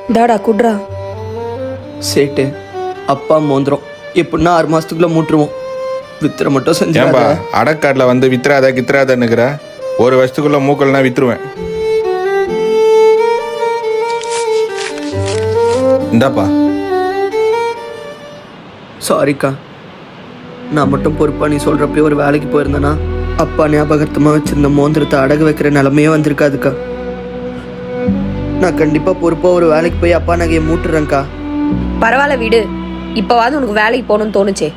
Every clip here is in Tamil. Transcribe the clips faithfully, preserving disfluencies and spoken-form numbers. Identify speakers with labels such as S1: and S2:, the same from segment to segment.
S1: டாடா குட்ரா.
S2: சேட்டு அப்பா மோந்திரம் எப்படின்னா ஆறு மாசத்துக்குள்ள மூட்டுருவோம். வித்துற மட்டும்
S3: ஏன்பா
S2: செஞ்சாம்பா.
S3: அடக்காட்டில் வந்து வித்துறாத கித்துறாதன்னுக்கிற ஒரு வருஷத்துக்குள்ள மூக்கல்னா வித்துருவேன். இந்தாப்பா.
S2: சாரிக்கா, நான் மட்டும் பொறுப்பா நீ சொல்றப்பே ஒரு வேலைக்கு போயிருந்தேன்னா அப்பா ஞாபகத்தமா வச்சிருந்த மோந்திரத்தை அடகு வைக்கிற நிலைமையே வந்திருக்காதுக்கா. நான் கண்டிப்பா பொறுப்பா ஒரு வேலைக்கு போய் அப்பா நகையை மூட்டுறேன்க்கா.
S1: பரவாயில்ல விடு, இப்பவாது உனக்கு வேலைக்கு போகணும்னு தோணுச்சே.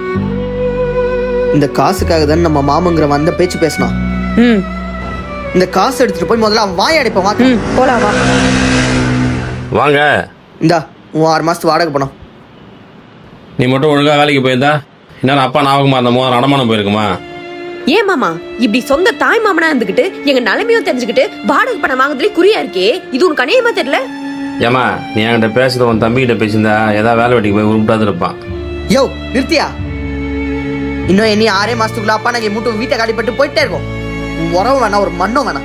S2: இந்த காசுக்காக தான் நம்ம மாமங்கிற வந்த பேச்சு பேசினான்.
S1: ம்
S2: இந்த காசு எடுத்துட்டு போய் முதல்ல அவன் வாய் அடைப்பான். வா
S1: ம் போலாம் வா.
S4: வாங்க.
S2: இந்தா உன் ஆறு மாசத்து வாடகை பணம்.
S4: நீ மட்டும் ஒழுங்கா வேலைக்கு போயிருந்தா இன்னும் அப்பா ஞாபகமா அந்த மோதிரம் அடமானம் போயிருக்குமா?
S1: ஏன் மாமா இப்படி சொந்த தாய் மாமனா இருந்துகிட்டு எங்க நிலைமையும் தெரிஞ்சுக்கிட்டு வாடகை பணம் வாங்குறதுல குறியா இருக்கே, இது உனக்கு அநேகமா தெரியல?
S4: ஏமா நீ என்கிட்ட பேசுறது உன் தம்பி கிட்ட பேசியிருந்தா ஏதாவது வேலை வெட்டிக்கு போய் உருப்பிட்டாது இருப்பான்.
S2: யோ நிறுத்தியா, இன்னும் இனி ஆறே மாசத்துக்குள்ள அப்பா நகையை மூட்டு வீட்டை காலிப்பட்டு போயிட்டே இருக்கும். உன் உறவு வேணாம், ஒரு மண்ணும் வேணாம்.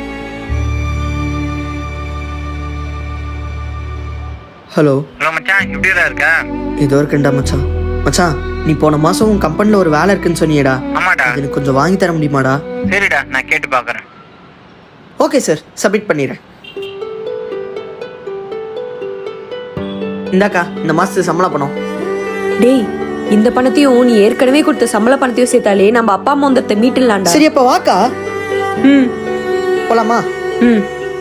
S2: ஹலோ
S5: ஹலோ மச்சான், எப்படிடா இருக்க?
S2: இதோ இருக்கேன்டா மச்சான். மச்சான் நீ போன மாசம் உன் கம்பெனில ஒரு வேலை இருக்குன்னு சொன்னியேடா.
S5: ஆமாடா.
S2: அது எனக்கு கொஞ்சம் வாங்கி தர முடியுமாடா?
S5: சரிடா, நான் கேட்டு பார்க்குறேன்.
S2: ஓகே சார், சப்மிட் பண்ணிடுறேன். இந்தாக்கா இந்த மாசத்துக்கு சம்பளம் பணம்.
S1: டேய், இந்த பணத்தையும் நீ ஏற்கனவே கொடுத்த சம்பள பணத்தையும் சேர்த்தாலே நம்ம அப்பா மோந்திரத்தை மீட்டுலாம்டா.
S2: சரி அப்ப வாக்கா.
S1: ம்
S2: போலாமா?
S1: ம்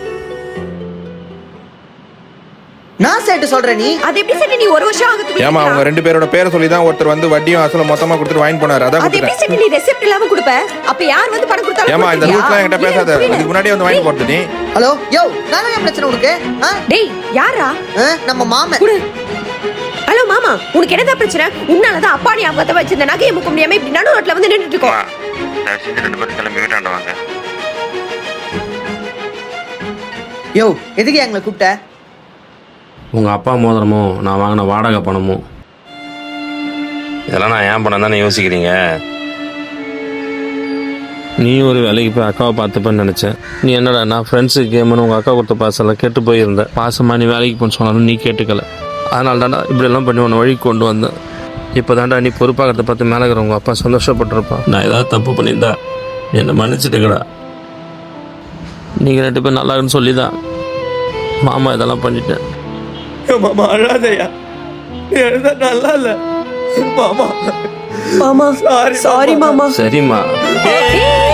S2: நான் சேட்டு சொல்றேன். நீ
S1: அது எப்படி சரி நீ ஒரு வருஷம் ஆகுது?
S3: ஏமா அவங்க ரெண்டு பேரோட பேரை சொல்லி தான் ஒருத்தர் வந்து வட்டியும் அசலும் மொத்தமா கொடுத்துட்டு வாங்கி போனாரு. அதான்
S1: அது எப்படி
S3: கொடுத்துட்டேன்.
S1: சரி நீ ரெசிப்ட் இல்லாம கொடுப்ப? அப்ப யார் வந்து பணம் கொடுத்தாலும்
S3: ஏமா இந்த ரூட்லாம் என்கிட்ட பேசாத. இதுக்கு முன்னாடியே வந்து வாங்கி போறது நீ.
S2: ஹலோ யோ, நான் என்ன பிரச்சனை உனக்கு? ஆ?
S1: டேய் யாரா?
S2: ஆ, நம்ம மாமன்.
S1: குடு. ஹலோ மாமா, உனக்கு என்னதான் பிரச்சனை? உன்னாலதான் அப்பா நீ அப்பத்த வச்சிருந்த நகையை முக்க முடியாம இப்படி நடு ரோட்ல வந்து நின்னுட்டு இருக்கோம்.
S5: தயவு செஞ்சு ரெண்டு பேரும் கிளம்பி வீட்டாண்ட வாங்க.
S2: யோ எதுக்கு எங்களை கூப்பிட்ட?
S4: உங்க அப்பா மோதிரமும் நான் வாங்கின வாடகை பணமும் இதெல்லாம் நான் ஏன் பணம் தானே யோசிக்கிறீங்க? நீ ஒரு வேலைக்கு போய் அக்காவை பார்த்துப்பேன்னு நினச்சேன். நீ என்னடா நான் ஃப்ரெண்ட்ஸுக்கு கேம்னு உங்கள் அக்கா கொடுத்த பாசெல்லாம் கெட்டு போயிருந்தேன். பாசமாக நீ வேலைக்கு போன்னு சொன்னாலும் நீ கேட்டுக்கல. அதனால தாண்டா இப்படியெல்லாம் பண்ணி உன்னை வழிக்கு கொண்டு வந்தேன். இப்போ தாண்டா நீ பொறுப்பாகிறத பார்த்து மேலே இருக்கிற உங்கள் அப்பா சந்தோஷப்பட்டிருப்பான். நான் ஏதாவது தப்பு பண்ணியிருந்தா என்னை மன்னிச்சுட்டுக்கடா. நீங்கள் ரெண்டு பேர் நல்லா இருக்குன்னு சொல்லி தான் மாமா இதெல்லாம் பண்ணிட்டேன்.
S2: மாமா அழாதையா, நீ எழுத நல்லா இல்ல மாமா.
S1: மாமா
S2: சாரி
S1: சாரி மாமா.
S4: சரிம்மா.